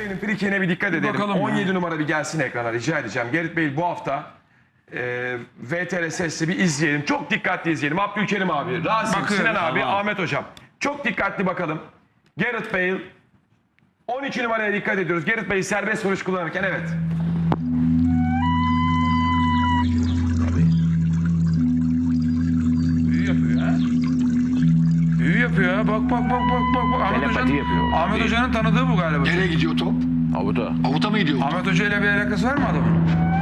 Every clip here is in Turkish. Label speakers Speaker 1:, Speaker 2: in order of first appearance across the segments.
Speaker 1: Bale'nin frikine bir dikkat edelim.
Speaker 2: bakalım
Speaker 1: 17
Speaker 2: ya.
Speaker 1: numara bir gelsin ekrana rica edeceğim. Gareth Bale bu hafta VTR sesli bir izleyelim. Çok dikkatli izleyelim. Abdülkerim abi, Rasim,
Speaker 2: Bakıyorum,
Speaker 1: Sinan abi,
Speaker 2: tamam.
Speaker 1: Ahmet hocam. Çok dikkatli bakalım. Gareth Bale 12 numaraya dikkat ediyoruz. Gareth Bale serbest vuruş kullanırken evet.
Speaker 2: Büyü yapıyor ha. Büyü yapıyor ha. Bak. Ahmet
Speaker 3: Telepati
Speaker 2: Hoca'nın,
Speaker 3: yapıyor.
Speaker 2: Ahmet Hoca'nın tanıdığı bu galiba.
Speaker 4: Nereye gidiyor top?
Speaker 3: Avuta.
Speaker 4: Avuta mı gidiyor?
Speaker 2: Ahmet Hoca ile bir alakası var mı adamın?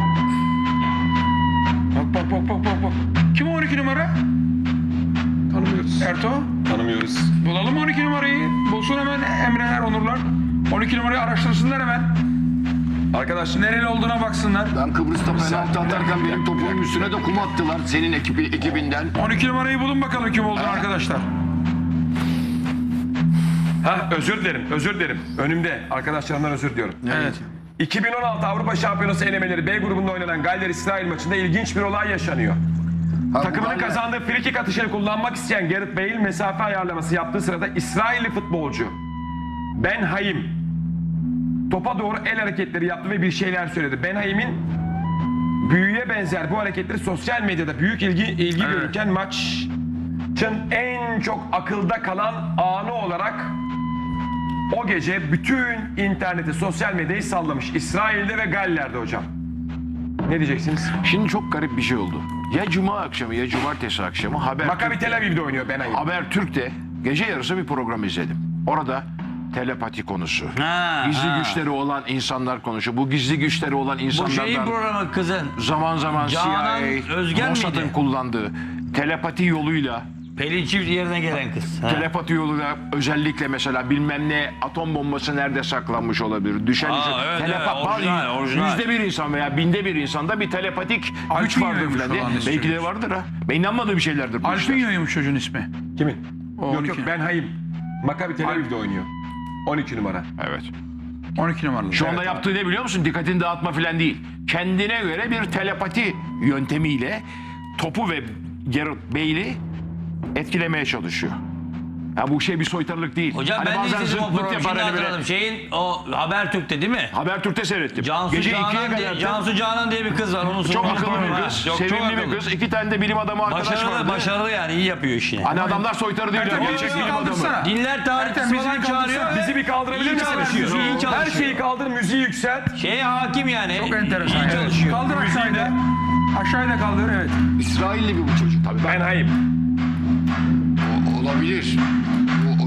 Speaker 2: Bak. Kim o 12 numara?
Speaker 1: Tanımıyoruz.
Speaker 2: Erto.
Speaker 1: Tanımıyoruz.
Speaker 2: Bulalım 12 numarayı. Bulsun hemen Emreler, Onurlar. 12 numarayı araştırsınlar hemen.
Speaker 1: Arkadaşlar
Speaker 2: Nereli olduğuna baksınlar.
Speaker 4: Ben Kıbrıs'ta penaltı atarken benim topumun üstüne de kum attılar senin ekibinden.
Speaker 2: 12 numarayı bulun bakalım kim olduğunu arkadaşlar.
Speaker 1: özür dilerim. Önümde. Arkadaşlarımdan özür diliyorum.
Speaker 2: Evet.
Speaker 1: 2016 Avrupa Şampiyonası elemeleri B grubunda oynanan Galler-İsrail maçında ilginç bir olay yaşanıyor. Takımının kazandığı frikik atışını kullanmak isteyen Gareth Bale mesafe ayarlaması yaptığı sırada İsrailli futbolcu Ben Haim topa doğru el hareketleri yaptı ve bir şeyler söyledi. Ben Haim'in büyüye benzer bu hareketleri sosyal medyada büyük ilgi görürken maçın en çok akılda kalan anı olarak o gece bütün interneti, sosyal medyayı sallamış. İsrail'de ve Galler'de hocam. Ne diyeceksiniz?
Speaker 3: Şimdi çok garip bir şey oldu. Ya cuma akşamı ya cumartesi akşamı
Speaker 1: Maccabi Tel Aviv'de oynuyor Ben Haim.
Speaker 3: Habertürk'te gece yarısı bir program izledim. Orada telepati konusu. Gizli güçleri olan insanlar konuşuyor. Bu gizli güçleri olan
Speaker 5: Bu şeyin
Speaker 3: insanlardan
Speaker 5: programı kızın.
Speaker 3: zaman zaman
Speaker 5: Canan
Speaker 3: CIA,
Speaker 5: Özgen
Speaker 3: Mossad'ın
Speaker 5: miydi?
Speaker 3: kullandığı telepati yoluyla
Speaker 5: Pelin Çift yerine gelen kız. Ha.
Speaker 3: telepati yoluyla özellikle mesela bilmem ne atom bombası nerede saklanmış olabilir? Düşen
Speaker 5: Evet, orijinal.
Speaker 3: %1 insan veya binde bir insanda bir telepatik güç
Speaker 2: Alpinyo'ymuş
Speaker 3: vardır falan diye.
Speaker 2: falan
Speaker 3: Belki de
Speaker 2: istiyoruz.
Speaker 3: vardır ha. Ben inanmadığım şeylerdir bu işler.
Speaker 2: Alpinyo'ymuş çocuğun ismi.
Speaker 1: Kimin?
Speaker 2: O
Speaker 1: Yok
Speaker 2: 12.
Speaker 1: Ben Haim. Maccabi Tel Aviv'de oynuyor. 12 numara.
Speaker 3: Evet.
Speaker 2: 12 numaralı.
Speaker 3: Şu anda yaptığı ne biliyor musun? Dikkatini dağıtma falan değil. Kendine göre bir telepati yöntemiyle topu ve Gareth Bale'i etkilemeye çalışıyor. Ya bu şey bir soytarılık değil.
Speaker 5: Hocam
Speaker 3: Hani
Speaker 5: ben de
Speaker 3: bazen
Speaker 5: izledim o
Speaker 3: zıtlık
Speaker 5: programı.
Speaker 3: yapar
Speaker 5: Şimdi
Speaker 3: hani böyle.
Speaker 5: hatırladım. Şeyin o Habertürk'te değil mi?
Speaker 3: Habertürk'te seyrettim.
Speaker 5: Cansu
Speaker 3: Gece 2'ye
Speaker 5: Canan,
Speaker 3: kadar.
Speaker 5: Cansu Canan diye bir kız var. Onun
Speaker 3: Çok akıllı bir kız.
Speaker 5: Çok
Speaker 3: Sevimli bir
Speaker 5: akıllı.
Speaker 3: kız. 2 tane de bilim adamı arkadaş vardı.
Speaker 5: Başarılı yani iyi yapıyor işini.
Speaker 3: Hani adamlar soytarı değil.
Speaker 2: Ertem,
Speaker 3: Gerçek
Speaker 2: bizi
Speaker 3: bilim adamı.
Speaker 2: kaldırsana.
Speaker 5: Dinler tarihçisi
Speaker 2: Ertem, bizi
Speaker 5: falan
Speaker 2: bir
Speaker 5: çağırıyor.
Speaker 2: kaldırsana.
Speaker 1: Bizi bir kaldırabilir
Speaker 5: İyi
Speaker 1: misiniz?
Speaker 5: çalışıyor, iyi çalışıyor.
Speaker 1: Her şeyi kaldır, müziği yükselt.
Speaker 5: Şeye hakim yani.
Speaker 2: Çok enteresan.
Speaker 5: İyi
Speaker 2: Evet.
Speaker 5: çalışıyor.
Speaker 2: Kaldır aşağıya da. Aşağıya da kaldır evet.
Speaker 4: İsrailli bir bu çocuk. Tabii
Speaker 1: Ben Haim.
Speaker 4: olabilir. O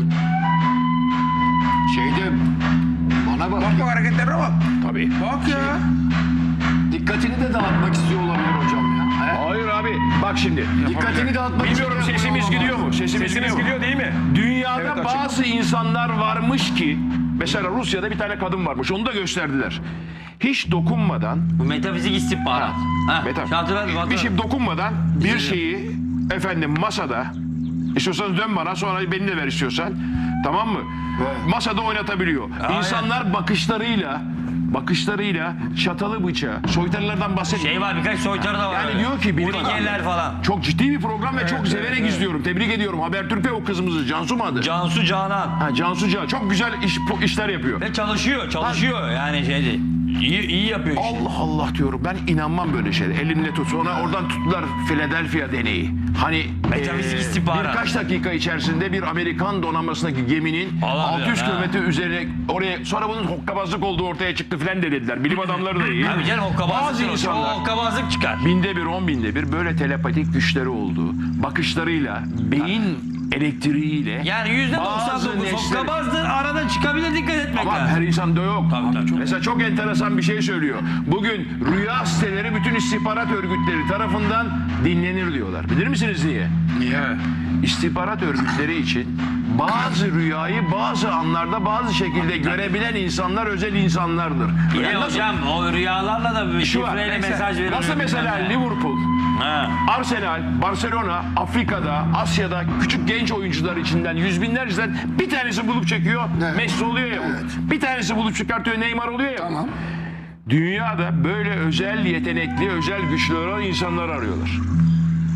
Speaker 4: şeyde bana bak.
Speaker 2: Bak hareketlerine bak.
Speaker 3: Tabii.
Speaker 2: Bak ya.
Speaker 4: Dikkatini de dağıtmak istiyor olabilir hocam ya. He?
Speaker 3: Hayır abi. Bak şimdi.
Speaker 4: Dikkatini dağıtmak
Speaker 3: Bilmiyorum
Speaker 4: istiyor.
Speaker 3: sesimiz gidiyor mu?
Speaker 1: Sesimiz
Speaker 3: gidiyor mu?
Speaker 1: gidiyor değil mi?
Speaker 3: Dünyada
Speaker 1: Evet, açık.
Speaker 3: bazı insanlar varmış ki mesela Rusya'da bir tane kadın varmış. Onu da gösterdiler. Hiç dokunmadan
Speaker 5: Bu metafizik istihbarat. Ha,
Speaker 3: bir şey dokunmadan bir şeyi efendim masada istiyorsanız dön bana sonra beni de ver istiyorsan tamam mı?
Speaker 4: Evet.
Speaker 3: Masada oynatabiliyor. İnsanlar bakışlarıyla çatalı bıçağı soytarılardan bahsediyor.
Speaker 5: Şey var birkaç soytarı da var.
Speaker 3: Yani
Speaker 5: öyle.
Speaker 3: diyor ki bilim
Speaker 5: Urigeller
Speaker 3: adamları.
Speaker 5: falan.
Speaker 3: Çok ciddi bir program ve çok severek izliyorum. Tebrik ediyorum. Habertürk'te o kızımızı Cansu mu adı?
Speaker 5: Cansu Canan.
Speaker 3: Ha, Cansu Can. Çok güzel işler yapıyor.
Speaker 5: Ve çalışıyor yani şeydi. İyi yapıyor işini.
Speaker 3: Allah Allah diyorum ben inanmam böyle şeylere. Elimle tut. Sonra oradan tuttular Philadelphia deneyi. Hani
Speaker 5: Metafizik istihbarat.
Speaker 3: birkaç dakika içerisinde bir Amerikan donanmasındaki geminin
Speaker 5: Allah
Speaker 3: 600
Speaker 5: bilir,
Speaker 3: kilometre üzerine oraya sonra bunun hokkabazlık olduğu ortaya çıktı filan dediler. Bilim adamları da iyi.
Speaker 5: Abi canım
Speaker 3: Bazı
Speaker 5: hokkabazlık
Speaker 3: insanlar
Speaker 5: hokkabazlık çıkar.
Speaker 3: binde bir, 10 binde bir böyle telepatik güçleri olduğu, bakışlarıyla, beyin elektriğiyle
Speaker 5: Yani
Speaker 3: bazı
Speaker 5: %99
Speaker 3: neşleri-
Speaker 5: hokkabazdır. Arada çıkabilir dikkat etmek
Speaker 3: Ama
Speaker 5: lazım.
Speaker 3: her insanda yok.
Speaker 5: Tabii, çok.
Speaker 3: Mesela çok enteresan bir şey söylüyor. Bugün rüya siteleri bütün istihbarat örgütleri tarafından dinlenir diyorlar. Bilir misiniz niye?
Speaker 2: Niye?
Speaker 3: İstihbarat örgütleri için bazı rüyayı bazı anlarda bazı şekilde görebilen insanlar özel insanlardır.
Speaker 5: Bir de
Speaker 3: Yani nasıl-
Speaker 5: hocam o rüyalarla da bir
Speaker 3: Şu var,
Speaker 5: şifreyle mesaj veriyor.
Speaker 3: Nasıl mesela Liverpool,
Speaker 5: Ha.
Speaker 3: Arsenal, Barcelona, Afrika'da, Asya'da küçük genç oyuncular içinden yüz binlerceden bir tanesi bulup çekiyor.
Speaker 4: Evet.
Speaker 3: Messi oluyor ya bu.
Speaker 4: Evet.
Speaker 3: Bir tanesi bulup çıkartıyor Neymar oluyor ya.
Speaker 4: Tamam.
Speaker 3: Dünyada böyle özel yetenekli, özel güçlü olan insanlar arıyorlar.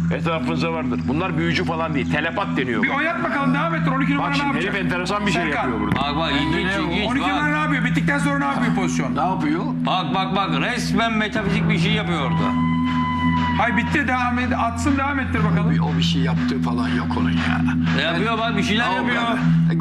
Speaker 3: Etrafınızda vardır. Bunlar büyücü falan değil. Telepat deniyor.
Speaker 2: Bir oynat bakalım, devam ettir. 12 numara
Speaker 3: Bak
Speaker 2: ne
Speaker 3: şimdi
Speaker 2: yapacak?
Speaker 3: herif enteresan bir şey
Speaker 2: Serkan.
Speaker 3: yapıyor burada.
Speaker 5: Bak bak ilginç
Speaker 2: 12 numara
Speaker 5: bak.
Speaker 2: ne yapıyor? Bittikten sonra ne yapıyor pozisyon?
Speaker 4: Ne yapıyor?
Speaker 5: Bak resmen metafizik bir şey yapıyor orada.
Speaker 2: Hay bitti, devam et. Atsın, devam ettir bakalım.
Speaker 4: O bir şey yaptığı falan yok onun ya.
Speaker 5: Yapıyor bak bir şeyler
Speaker 4: Al
Speaker 5: yapıyor.
Speaker 4: ben-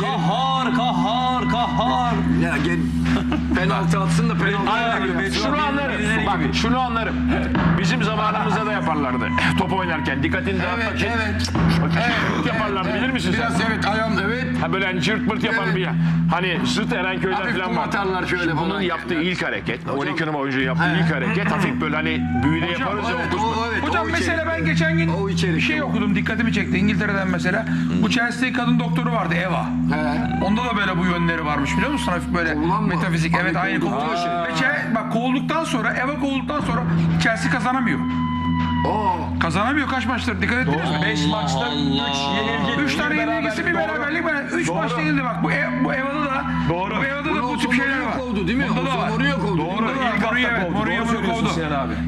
Speaker 5: Kahhar.
Speaker 4: Ya gel penaltı atsın da penaltı.
Speaker 3: Şunu anlarım. Bak şunu anlarım. Bizim zamanımızda da yaparlardı. Top oynarken dikkatini dağıtmak için.
Speaker 4: Evet.
Speaker 3: Şırt yaparlardı, bilir misin sen?
Speaker 4: Biraz evet ayağım evet.
Speaker 3: Ha böyle hani cırt pırt yapar
Speaker 4: Evet.
Speaker 3: bir ya. Hani zıt Erenköy'den
Speaker 4: Hafif
Speaker 3: falan
Speaker 4: kum
Speaker 3: var.
Speaker 4: atarlar şöyle
Speaker 3: Şimdi
Speaker 4: falan
Speaker 3: bunun yaptığı
Speaker 4: yerler.
Speaker 3: ilk hareket, 12 numara oyuncunun yaptığı ilk hareket hafif böyle hani büyüde yaparız ya.
Speaker 4: Evet,
Speaker 3: o
Speaker 4: o, evet,
Speaker 2: Hocam
Speaker 4: o
Speaker 2: mesela
Speaker 4: içerik.
Speaker 2: ben geçen gün
Speaker 4: O içerik.
Speaker 2: bir şey okudum, dikkatimi çekti. İngiltere'den mesela. Bu Chelsea'de kadın doktoru vardı, Eva.
Speaker 4: He.
Speaker 2: Onda da böyle bu yönleri varmış, biliyor musun? Hafif böyle
Speaker 4: Kovulan mı?
Speaker 2: metafizik.
Speaker 4: Abi
Speaker 2: Evet, aynı
Speaker 4: kovuldu.
Speaker 2: kovuldu. Ve bak kovulduktan sonra, Eva kovulduktan sonra Chelsea kazanamıyor.
Speaker 4: Oo.
Speaker 2: Kazanamıyor kaç maçtır, dikkat ettiniz mi?
Speaker 1: 5 maçta 3 yenilgi.
Speaker 2: 3 tane
Speaker 1: bir
Speaker 2: yenilgisi, bir beraberlik. 3
Speaker 1: Doğru.
Speaker 2: maçta yenildi bak. Bu Eva'da da.
Speaker 1: Doğru.
Speaker 2: Bu Eva'da da bu tip
Speaker 4: Mourinho
Speaker 2: şeyler var.
Speaker 4: kovdu değil mi?
Speaker 2: Bunda da var.
Speaker 4: Mourinho kovdu.
Speaker 1: Doğru.
Speaker 2: Bunda da var.
Speaker 1: İlk hafta
Speaker 2: Mourinho, evet,
Speaker 1: kovdu.
Speaker 2: Mourinho
Speaker 1: Doğru söylüyorsun
Speaker 2: kovdu.
Speaker 1: Sinan abi.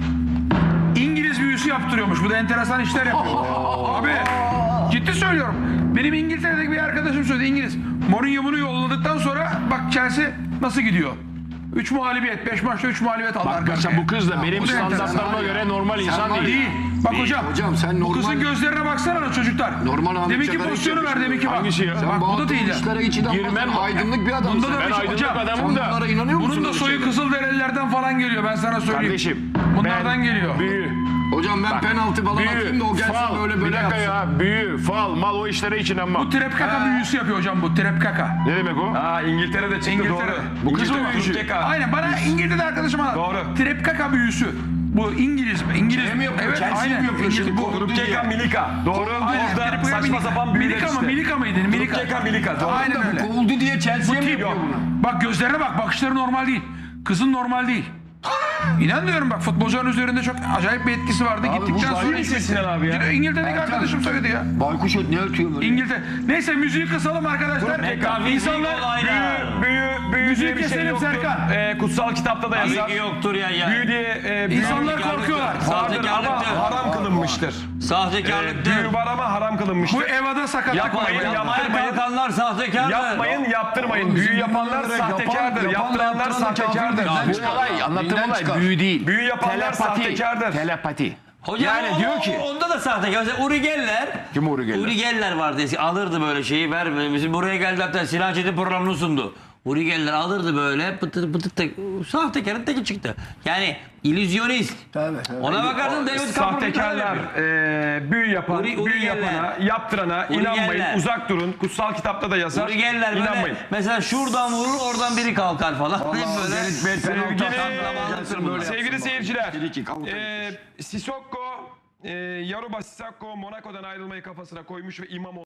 Speaker 2: İngiliz büyüsü yaptırıyormuş. Bu da enteresan işler yapıyor. Abi ciddi söylüyorum. Benim İngiltere'deki bir arkadaşım söyledi, İngiliz. Mourinho bunu yolladıktan sonra bak Chelsea nasıl gidiyor? 3 muhalibiyet, 5 maçta 3 muhalibiyet aldı
Speaker 3: Bak
Speaker 2: arka
Speaker 3: mesela
Speaker 2: arkaya.
Speaker 3: bu kız da benim
Speaker 2: bu da enteresan.
Speaker 3: standartlarıma göre normal insan
Speaker 4: var
Speaker 3: değil.
Speaker 2: Değil. Bak
Speaker 3: Değil.
Speaker 2: hocam.
Speaker 4: Hocam sen
Speaker 2: Bu kızın
Speaker 4: normal-
Speaker 2: gözlerine baksana da çocuklar.
Speaker 4: Normal Ahmet
Speaker 2: Deminki
Speaker 4: Çakar'ı
Speaker 2: pozisyonu ver,
Speaker 4: yapıyorsun.
Speaker 2: deminki bak.
Speaker 3: Hangisi ya?
Speaker 2: Bak bu da değil. ya.
Speaker 4: İşlere içinden
Speaker 3: Girmem-
Speaker 4: bakma, aydınlık bir adamsın.
Speaker 2: Bunda da
Speaker 3: Ben
Speaker 2: bir şey-
Speaker 3: aydınlık
Speaker 2: hocam,
Speaker 3: adamım da.
Speaker 4: Bunlara inanıyor musun?
Speaker 2: Bunun da
Speaker 4: öyle
Speaker 2: soyu
Speaker 4: şeylere?
Speaker 2: Kızılderililerden falan geliyor, ben sana söyleyeyim.
Speaker 3: Kardeşim.
Speaker 2: Bunlardan
Speaker 3: ben
Speaker 2: geliyor.
Speaker 3: Büyü.
Speaker 4: Hocam ben penaltı falan atayım da o gelsin
Speaker 3: fal,
Speaker 4: böyle
Speaker 3: bir
Speaker 4: böyle
Speaker 3: dakika
Speaker 4: yapsın.
Speaker 3: ya. Büyü, fal, mal o işlere hiç inanmam.
Speaker 2: Bu trepkaka büyüsü yapıyor hocam, bu trepkaka.
Speaker 3: Ne demek o?
Speaker 1: Aa İngiltere'de çıktı
Speaker 2: İngiltere.
Speaker 1: doğru.
Speaker 3: Bu kız mı
Speaker 1: İngiltere
Speaker 3: büyücü?
Speaker 1: Türkçe
Speaker 2: Aynen, bana İngiltere'de arkadaşım anlattı.
Speaker 1: Doğru.
Speaker 2: Trepkaka büyüsü. Bu İngiliz
Speaker 4: mi yapıyor?
Speaker 2: Evet,
Speaker 4: Chelsea
Speaker 2: aynen.
Speaker 4: mi yapıyor şimdi?
Speaker 2: Bu
Speaker 1: Rupkeka Milika. Doğru.
Speaker 2: Aynen,
Speaker 1: Orada
Speaker 2: Trepkaka
Speaker 1: saçma
Speaker 2: Milika.
Speaker 1: sapan büyüler
Speaker 2: Milika mı?
Speaker 1: işte.
Speaker 2: Milika mıydı? Milika.
Speaker 1: Rupkeka Milika. Doğru.
Speaker 2: Aynen öyle.
Speaker 4: Kovuldu diye Chelsea'ye mi
Speaker 2: Tip
Speaker 4: yapıyor
Speaker 2: yok.
Speaker 4: bunu?
Speaker 2: Bak gözlerine bak, bakışları normal değil. Kızın normal değil. İnan diyorum bak, futbolcuların üzerinde çok acayip bir etkisi vardı.
Speaker 4: Abi
Speaker 2: Gittikten
Speaker 4: bu
Speaker 2: sonra
Speaker 1: Sinan Sinan abi ya.
Speaker 2: İngiltere'deki arkadaşım söyledi ya.
Speaker 4: Baykuş ne ötüyor böyle?
Speaker 2: İngiltere. Neyse müziği kısalım arkadaşlar.
Speaker 5: Metafizik
Speaker 2: İnsanlar
Speaker 5: olaylar.
Speaker 1: Büyü
Speaker 2: Müziği
Speaker 1: diye bir şey
Speaker 2: keselim
Speaker 1: yoktur.
Speaker 2: Serkan.
Speaker 1: Kutsal kitapta da yazar.
Speaker 5: Tabii ki yoktur ya.
Speaker 1: Büyü diye büyü
Speaker 2: İnsanlar
Speaker 5: Sahtekarlıktır.
Speaker 2: korkuyorlar.
Speaker 1: vardır
Speaker 5: Sahtekarlıktır.
Speaker 1: ama haram kılınmıştır.
Speaker 5: Sahtekarlıktır.
Speaker 1: Büyü var ama haram
Speaker 2: Bu
Speaker 1: kılınmıştır.
Speaker 2: Eva'da sakat.
Speaker 1: Yapmayın,
Speaker 5: Yapmaya
Speaker 1: yaptırmayın.
Speaker 5: kalkanlar sahtekardır.
Speaker 1: Yapmayın, yaptırmayın.
Speaker 4: Oğlum,
Speaker 1: Büyü
Speaker 4: bizim
Speaker 1: yapanlar
Speaker 4: bunlara
Speaker 1: sahtekardır.
Speaker 4: yapan-
Speaker 1: Yaptıranlar
Speaker 4: yaptıran da
Speaker 1: sahtekardır.
Speaker 4: kafirdir.
Speaker 3: Bu olay, anlattığım
Speaker 4: Dinden
Speaker 3: olay
Speaker 4: çıkar.
Speaker 3: büyü değil.
Speaker 1: Büyü yapanlar sahtekardır.
Speaker 3: Telepati.
Speaker 5: Hocam
Speaker 3: Yani
Speaker 5: o-
Speaker 3: diyor ki-
Speaker 5: onda da sahtekar. Mesela Uri Geller.
Speaker 3: Kim Uri Geller?
Speaker 5: Uri Geller vardı eski. Alırdı böyle şeyi ver. Bizim buraya geldi hatta Sinan Çetin programını sundu. Uri Geller alırdı böyle pıtır pıtır tek. Sahtekarın teki çıktı. Yani illüzyonist.
Speaker 4: Tabii, tabii.
Speaker 5: Ona bakardın David
Speaker 1: Sahtekarlar, büyü yapan,
Speaker 5: Uri
Speaker 1: büyü
Speaker 5: Geller.
Speaker 1: yapana, yaptırana
Speaker 5: Uri
Speaker 1: inanmayın.
Speaker 5: Geller.
Speaker 1: Uzak durun. Kutsal kitapta da yazar.
Speaker 5: Uri Geller böyle
Speaker 1: İnanmayın.
Speaker 5: mesela şuradan vurur oradan biri kalkar falan. Hep böyle.
Speaker 1: Sevgili seyirciler, Sissoko, Yoruba Sissoko Monaco'dan ayrılmayı kafasına koymuş ve İmamoğlu